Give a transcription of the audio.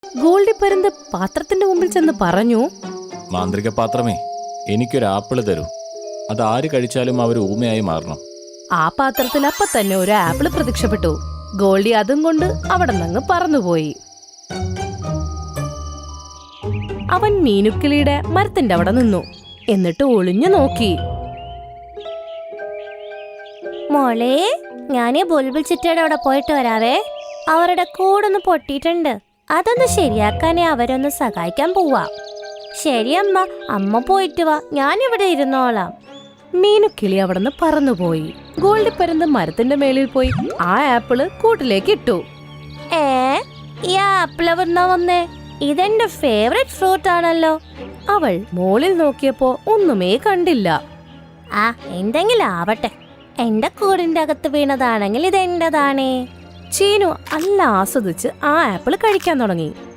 ഗോൾഡി പരുന്ത് പാത്രത്തിന്റെ മുമ്പിൽ ചെന്ന് പറഞ്ഞു, മാന്ത്രിക പാത്രമേ, എനിക്കൊരു ആപ്പിള് തരൂ. അത് ആര് കഴിച്ചാലും അവർ ഊമയായി മാറണം. ആ പാത്രത്തിൽ അപ്പൊ തന്നെ ഒരു ആപ്പിള് പ്രത്യക്ഷപ്പെട്ടു. ഗോൾഡി അതും കൊണ്ട് അവിടെ നിന്ന് പറന്നുപോയി. അവൻ മീനുക്കിളിയുടെ മരത്തിന്റെ അവിടെ നിന്നു. എന്നിട്ട് ഒളിഞ്ഞു നോക്കി. മോളെ, ഞാനീ ബുൾബുൾ ചിറ്റയുടെ അവിടെ പോയിട്ട് വരാവേ. അവരുടെ കൂടൊന്ന് പൊട്ടിയിട്ടുണ്ട്. അതൊന്ന് ശരിയാക്കാനേ അവരൊന്ന് സഹായിക്കാൻ പോവാ. ശരി അമ്മ, അമ്മ പോയിട്ട് വാ, ഞാനിവിടെ ഇരുന്നോളാം. മീനുക്കിളി അവിടെ നിന്ന് പറന്നുപോയി. ഗോൾഡി പരുന്ത് മരത്തിന്റെ മേളിൽ പോയി ആ ആപ്പിള് കൂട്ടിലേക്ക് ഇട്ടു. ഈ ആപ്പിൾ എവിടുന്നാ വന്നേ? ഇതെന്റെ ഫേവറേറ്റ് ഫ്രൂട്ട് ആണല്ലോ. അവൾ മോളിൽ നോക്കിയപ്പോ ഒന്നുമേ കണ്ടില്ല. ആ, എന്തെങ്കിലും ആവട്ടെ. എന്റെ കൂടിന്റെ അകത്ത് വീണതാണെങ്കിൽ ഇതെന്റേതാണേ. ചീനു നല്ല ആസ്വദിച്ച് ആ ആപ്പിള് കഴിക്കാൻ തുടങ്ങി.